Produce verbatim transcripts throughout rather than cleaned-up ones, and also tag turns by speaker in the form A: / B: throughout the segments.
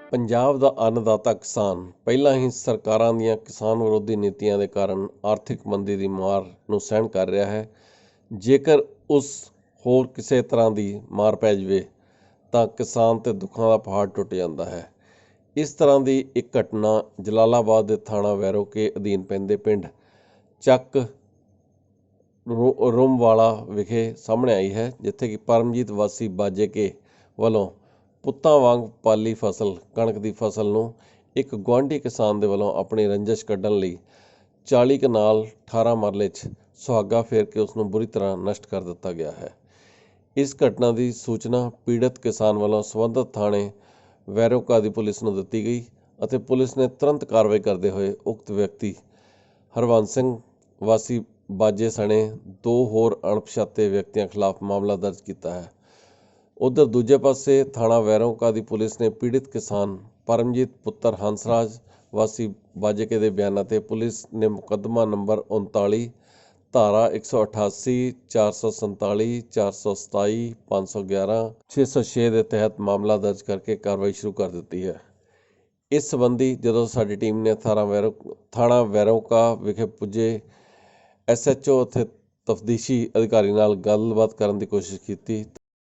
A: ਪੰਜਾਬ ਦਾ ਅੰਨਦਾਤਾ ਕਿਸਾਨ ਪਹਿਲਾਂ ਹੀ ਸਰਕਾਰਾਂ ਦੀਆਂ ਕਿਸਾਨ ਵਿਰੋਧੀ ਨੀਤੀਆਂ ਦੇ ਕਾਰਨ ਆਰਥਿਕ ਮੰਦੀ ਦੀ ਮਾਰ ਨੂੰ ਸਹਿਣ ਕਰ ਰਿਹਾ ਹੈ। ਜੇਕਰ ਉਸ ਹੋਰ ਕਿਸੇ ਤਰ੍ਹਾਂ ਦੀ ਮਾਰ ਪੈ ਜਾਵੇ ਤਾਂ ਕਿਸਾਨ 'ਤੇ ਦੁੱਖਾਂ ਦਾ ਪਹਾੜ ਟੁੱਟ ਜਾਂਦਾ ਹੈ। ਇਸ ਤਰ੍ਹਾਂ ਦੀ ਇੱਕ ਘਟਨਾ ਜਲਾਲਾਬਾਦ ਦੇ ਥਾਣਾ ਵੈਰੋਕੇ ਅਧੀਨ ਪੈਂਦੇ ਪਿੰਡ ਚੱਕ ਰੋ ਰੁੰਮਵਾਲਾ ਵਿਖੇ ਸਾਹਮਣੇ ਆਈ ਹੈ, ਜਿੱਥੇ ਕਿ ਪਰਮਜੀਤ ਵਾਸੀ ਬਾਜੇਕੇ ਵੱਲੋਂ ਪੁੱਤਾਂ ਵਾਂਗ ਪਾਲੀ ਫਸਲ ਕਣਕ ਦੀ ਫਸਲ ਨੂੰ ਇੱਕ ਗੁਆਂਢੀ ਕਿਸਾਨ ਦੇ ਵੱਲੋਂ ਆਪਣੀ ਰੰਜਿਸ਼ ਕੱਢਣ ਲਈ ਚਾਲੀ ਕਨਾਲ ਅਠਾਰਾਂ ਮਰਲੇ 'ਚ ਸੁਹਾਗਾ ਫੇਰ ਕੇ ਉਸ ਨੂੰ ਬੁਰੀ ਤਰ੍ਹਾਂ ਨਸ਼ਟ ਕਰ ਦਿੱਤਾ ਗਿਆ ਹੈ। ਇਸ ਘਟਨਾ ਦੀ ਸੂਚਨਾ ਪੀੜਤ ਕਿਸਾਨ ਵੱਲੋਂ ਸੰਬੰਧਿਤ ਥਾਣੇ ਵੈਰੋਕਾ ਦੀ ਪੁਲਿਸ ਨੂੰ ਦਿੱਤੀ ਗਈ ਅਤੇ ਪੁਲਿਸ ਨੇ ਤੁਰੰਤ ਕਾਰਵਾਈ ਕਰਦੇ ਹੋਏ ਉਕਤ ਵਿਅਕਤੀ ਹਰਵੰਸ ਸਿੰਘ ਵਾਸੀ ਬਾਜੇ ਸਣੇ ਦੋ ਹੋਰ ਅਣਪਛਾਤੇ ਵਿਅਕਤੀਆਂ ਖਿਲਾਫ ਮਾਮਲਾ ਦਰਜ ਕੀਤਾ ਹੈ। ਉਧਰ ਦੂਜੇ ਪਾਸੇ ਥਾਣਾ ਵੈਰੋਕਾ ਦੀ ਪੁਲਿਸ ਨੇ ਪੀੜਿਤ ਕਿਸਾਨ ਪਰਮਜੀਤ ਪੁੱਤਰ ਹੰਸਰਾਜ ਵਾਸੀ ਬਾਜੇਕੇ ਦੇ ਬਿਆਨਾਂ 'ਤੇ ਪੁਲਿਸ ਨੇ ਮੁਕੱਦਮਾ ਨੰਬਰ ਉਨਤਾਲੀ ਧਾਰਾ ਇੱਕ ਸੌ ਅਠਾਸੀ ਚਾਰ ਸੌ ਸੰਤਾਲੀ ਚਾਰ ਸੌ ਸਤਾਈ ਪੰਜ ਸੌ ਗਿਆਰਾਂ ਛੇ ਸੌ ਛੇ ਦੇ ਤਹਿਤ ਮਾਮਲਾ ਦਰਜ ਕਰਕੇ ਕਾਰਵਾਈ ਸ਼ੁਰੂ ਕਰ ਦਿੱਤੀ ਹੈ। ਇਸ ਸੰਬੰਧੀ ਜਦੋਂ ਸਾਡੀ ਟੀਮ ਨੇ ਥਾਣਾ ਵੈਰੋ ਥਾਣਾ ਵੈਰੋਕਾ ਵਿਖੇ ਪੁੱਜੇ ਐਸ ਐਚ ਓ ਅਤੇ ਤਫਦੀਸ਼ੀ ਅਧਿਕਾਰੀ ਨਾਲ ਗੱਲਬਾਤ ਕਰਨ ਦੀ ਕੋਸ਼ਿਸ਼ ਕੀਤੀ।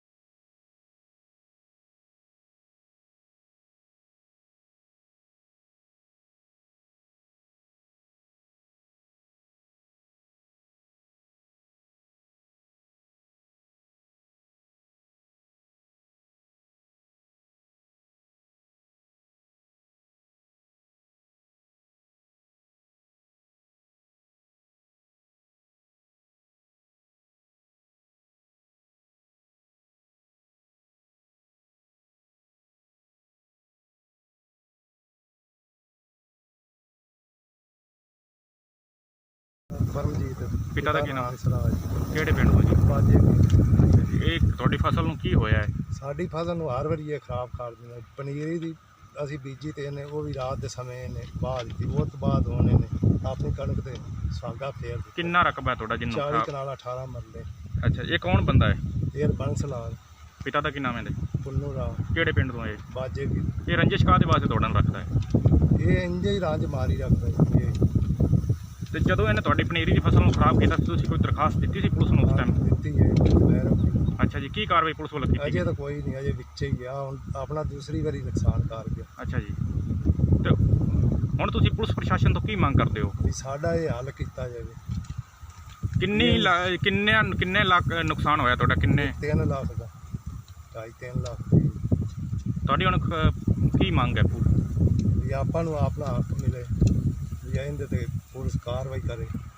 B: ਪਰਮਜੀਤ
C: ਪਿਤਾ ਦਾ ਕੀ ਨਾਮ?
B: ਹੰਸਰਾਜ।
C: ਕਿਹੜੇ ਪਿੰਡ ਤੋਂ ਜੀ?
B: ਬਾਜੇ
C: ਇਹ ਤੁਹਾਡੀ ਫਸਲ ਨੂੰ ਕੀ ਹੋਇਆ ਹੈ?
B: ਸਾਡੀ ਫਸਲ ਨੂੰ ਹਰ ਵਾਰੀ ਇਹ ਖਰਾਬ ਕਰ ਦਿੰਦੇ। ਪਨੀਰੀ ਦੀ ਅਸੀਂ ਬੀਜੀ ਤੇ ਇਹਨੇ ਉਹ ਵੀ ਰਾਤ ਦੇ ਸਮੇਂ ਇਹਨੇ ਬਾਹ ਦਿੱਤੀ। ਉਹ ਤੋਂ ਬਾਅਦ ਹੁਣ ਇਹਨੇ ਆਪਣੀ ਕਣਕ ਤੇ ਸੁਹਾਗਾ ਫੇਰ ਦਿੱਤਾ।
C: ਕਿੰਨਾ ਰਕਬਾ ਹੈ ਤੁਹਾਡਾ ਜਿੰਨੂੰ
B: ਚਾਲੀ
C: ਖਰਾਬ?
B: ਕਨਾਲ ਅਠਾਰਾਂ ਮਰਲੇ।
C: ਅੱਛਾ, ਇਹ ਕੌਣ ਬੰਦਾ ਹੈ?
B: ਇਹ ਬੰਸ ਲਾਲ
C: ਪਿਤਾ ਦਾ ਕੀ ਨਾਮ ਹੈ ਇਹਦੇ?
B: ਪੁੰਨੂ ਰਾਮ
C: ਕਿਹੜੇ ਪਿੰਡ ਤੋਂ ਇਹ?
B: ਬਾਜੇ ਕੀ
C: ਇਹ ਰੰਜਿਸ਼ ਕਾਹਦੇ ਵਾਸਤੇ ਤੁਹਾਡਾ ਨੂੰ ਰੱਖਦਾ ਹੈ?
B: ਇਹ ਇੰਜੇ ਹੀ ਰਾਜ ਮਾਰੀ ਰੱਖਦਾ ਸੀ ਇਹ।
C: ਤੇ ਜਦੋਂ ਇਹਨੇ ਤੁਹਾਡੀ ਪਨੀਰੀ ਦੀ ਫਸਲ ਨੂੰ ਖਰਾਬ ਕੀਤਾ, ਤੁਸੀਂ ਕੋਈ ਦਰਖਾਸਤ ਦਿੱਤੀ ਸੀ ਪੁਲਿਸ ਨੂੰ ਉਸ ਟਾਈਮ?
B: ਦਿੱਤੀ ਹੈ ਵੈਰੋ ਕੀ।
C: ਅੱਛਾ ਜੀ, ਕੀ ਕਾਰਵਾਈ ਪੁਲਿਸ ਵੱਲੋਂ ਕੀਤੀ?
B: ਅਜੇ ਤਾਂ ਕੋਈ ਨਹੀਂ, ਅਜੇ ਵਿੱਚੇ ਹੀ ਗਿਆ। ਹੁਣ ਆਪਣਾ ਦੂਸਰੀ ਵਾਰੀ ਨੁਕਸਾਨ ਕਰ ਗਿਆ।
C: ਅੱਛਾ ਜੀ, ਤੇ ਹੁਣ ਤੁਸੀਂ ਪੁਲਿਸ ਪ੍ਰਸ਼ਾਸਨ ਤੋਂ ਕੀ ਮੰਗ ਕਰਦੇ ਹੋ?
B: ਵੀ ਸਾਡਾ ਇਹ ਹੱਲ ਕੀਤਾ ਜਾਵੇ।
C: ਕਿੰਨੀ ਲਾ- ਕਿੰਨੇ ਕਿੰਨੇ ਲੱਖ ਨੁਕਸਾਨ ਹੋਇਆ ਤੁਹਾਡਾ? ਕਿੰਨੇ?
B: ਤਿੰਨ ਲੱਖ ਦਾ, ਢਾਈ ਤਿੰਨ ਲੱਖ ਦੀ।
C: ਤੁਹਾਡੀ ਹੁਣ ਖ- ਕੀ ਮੰਗ ਹੈ?
B: ਵੀ ਆਪਾਂ ਨੂੰ ਆਪਣਾ ਹੱਕ ਮਿਲੇ, ਵੀ ਇਹਦੇ ਤੇ ਪੁਲਿਸ ਕਾਰਵਾਈ ਕਰੇ।